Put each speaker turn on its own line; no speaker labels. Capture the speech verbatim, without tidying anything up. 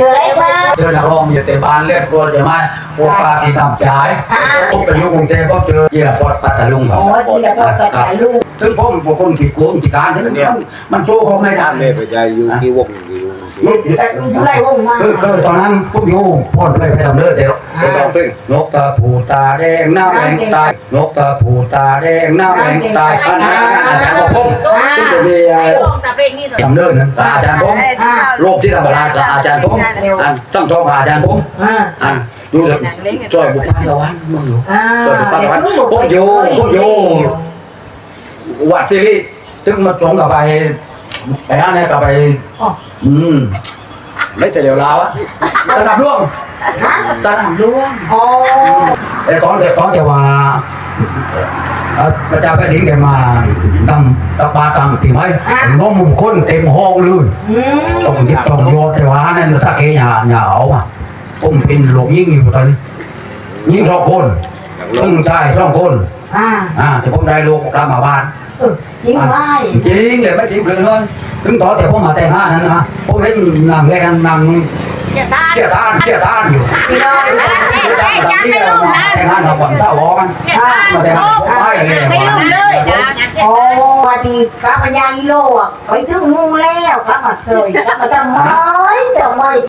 ออะไรบ้าง
เจอนักร้องอยู่แต่บ้านเรียกตัวใช่ไหมพวกปาที่ทำจ่ายผมไปอยู่กรุงเทพก็เจอเจียปอดปัตตาลุงครั
อ๋
บ
อที่ละพ่อกับแต่ลูก
ถึงผมเป็นคนผิดโกงผิดการถึงมันมันโชว์เขาไม่ได้
ทำเลยไปใจอยู่ที่วงอยู่
ยุดอยู่ได้
อยู่ไรวงมา
คือคือตอนนั้นผมอยู่พ่นไปไปทำเลือดเดี๋ยวไปลองเพลงนกตาผูตาแดงหน้าแดงตายนกตาผูตาแดงหน้าแดงตายอันนั้นอาจารย์บอกผมซึ่งจะมีทำเลือดนั้นอาจารย์ผมโรคที่ธรรมดากับอาจารย์ผมอันต้องโทรหาอาจารย์ผม
อ่า
อันดูเลยช่วยบุกบ้านเราวันมึงอยู่
อ่า
ช่วยบุกบ้านเราวันผมอยู่ผมอยู่วัดที่ถึงมาตรงกับไปไปอันนี้กับไปอืมไม่แต่เดี๋ยวลาวอะตะนับร่วงตะนับร่วง
อ๋อ
ไอ้ก้อนแต่ก้อนจะว่าพระเจ้าแผ่นดินแกมาทำตะปาตามตีไม้น้องมุมคนเต็มห้องเลย
อืม
ต้องยิบต้องโยนแต่ว่านั่นถ้าเกยหยาหยาเอาอ่ะผมเป็นหลงยิ่งอยู่ตอนนี้ยิ่งสองคนต้องใช่สองคน
อ่า
อ่าแต่ผมได้ลูกรับมาบ้าน
เออจริงไหม
จริงเลยไม่จริงเลยเลยถึงต่อแต่ผมมาแต่งงานนั้นนะผมเห็นนางแกกันนาง
เกี่ยวตา
เกี่ยทานเกี่ยทานอยู่
พี่น้อย
แต่งงานเราก่อนเศร้าร้อนมาแต่งงานผมไปเลย
ไม่ลืมเลยจ้ะ
โอ้วันดีกลับมายางกิโลอ่ะไปถึงงูแล้วกลับมาเสยกลับมาทำไมทำไม